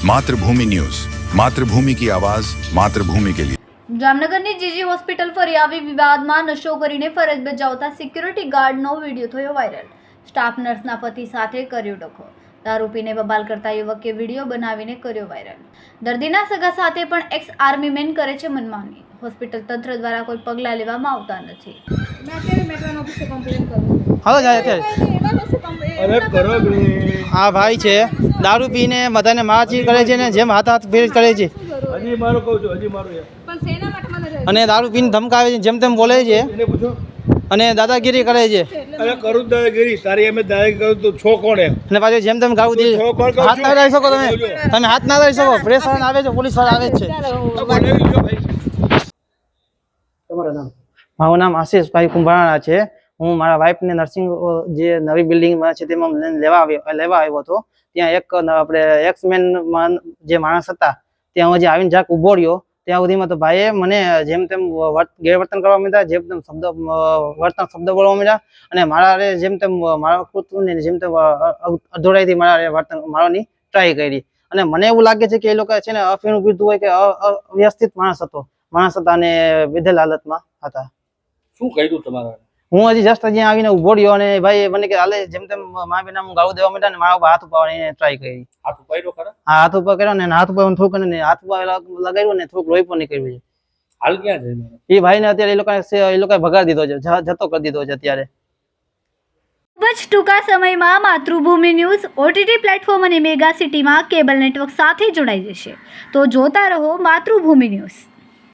मातृभूमि न्यूज, मातृभूमि की आवाज, मातृभूमि के लिए। જામનગરની જીજી હોસ્પિટલ ફરી આવી વિવાદમાં નશો કરીને ફરજ બજાવતા સિક્યુરિટી ગાર્ડનો વિડીયો થયો વાયરલ। સ્ટાફ નર્સના પતિ સાથે કર્યો ડખો। દારૂ પીને બબાલ કરતા યુવકે વિડીયો બનાવીને કર્યો વાયરલ। દર્દીના સગા સાથે પણ એક્સ આર્મી મેન કરે છે મનમાની। હોસ્પિટલ તંત્ર દ્વારા કોઈ પગલાં લેવામાં આવતા નથી। હાલો જાય અત્યારે આ ભાઈ છે દારૂ પીને બધાને મારચીર કરે છે ને જેમ હાથ ફેર કરે છે હજી મારો કહું છું હજી મારો અને દારૂ પીને ધમકાવે છે જેમ તેમ બોલે છે એને પૂછો અને દાદાગીરી કરે છે। અરે કરું દાદાગીરી તારી એમ દાદાગીરી કરું તો છો કોણ એમ અને પાછું જેમ તેમ ગાવું દે હાથ ના લઈ શકો તમે હાથ ના લઈ શકો પ્રેસ વાળા આવે છે પોલીસ વાળા આવે જ છે। મારું નામ આશીષભાઈ કુંભારાણા છે। હું મારા વાઈફને નર્સિંગ જે નવી બિલ્ડિંગમાં છે તેમાં લેવા આવ્યો હતો। ત્યાં એક આપણે એક્સમેનમાં જે માણસ હતા ત્યાં હજી આવીને જાક ઊભો રહ્યો ત્યાં સુધીમાં તો ભાઈએ મને જેમ તેમ ગેરવર્તન કરવા માંડ્યા જેમ તેમ શબ્દ બોલવા માંડ્યા અને મારા જેમ તેમ મારા કૃત્યને જેમ તેમ અધોરાઈથી મારા વર્તન મારવાની ટ્રાય કરી અને મને એવું લાગે છે કે એ લોકો છે ને અફીણું પીધું હોય કે અવ્યવસ્થિત માણસ હતા અને વિધેલ હાલતમાં હતા। શું કર્યું તમારા હું હજી જસ્ટ અહીંયા આવીને ઉભો રહ્યો અને ભાઈ મને કે હાલે જેમ તેમ મા બેના હું ગાળું દેવા માંડ્યા ને મારા ઉપર હાથ ઉપાડવાની ટ્રાય કરી। હાથ ઉપાડ્યો ખરા? હા હાથ ઉપર કર્યો ને હાથ ઉપર થોડુંક હાથ ઉપર લગાવ્યું ને થોડુંક લોહી પણ નીકળ્યું છે। હાલ ક્યાં છે એ ભાઈને અત્યારે એ લોકોએ ભગાડી દીધો છે જતો કરી દીધો છે અત્યારે। ખૂબ જ ટૂંકા સમયમાં માતૃભૂમિ ન્યૂઝ OTT પ્લેટફોર્મ અને મેગા સિટીમાં કેબલ નેટવર્ક સાથે જોડાઈ જશે। તો જોતા રહો માતૃભૂમિ ન્યૂઝ।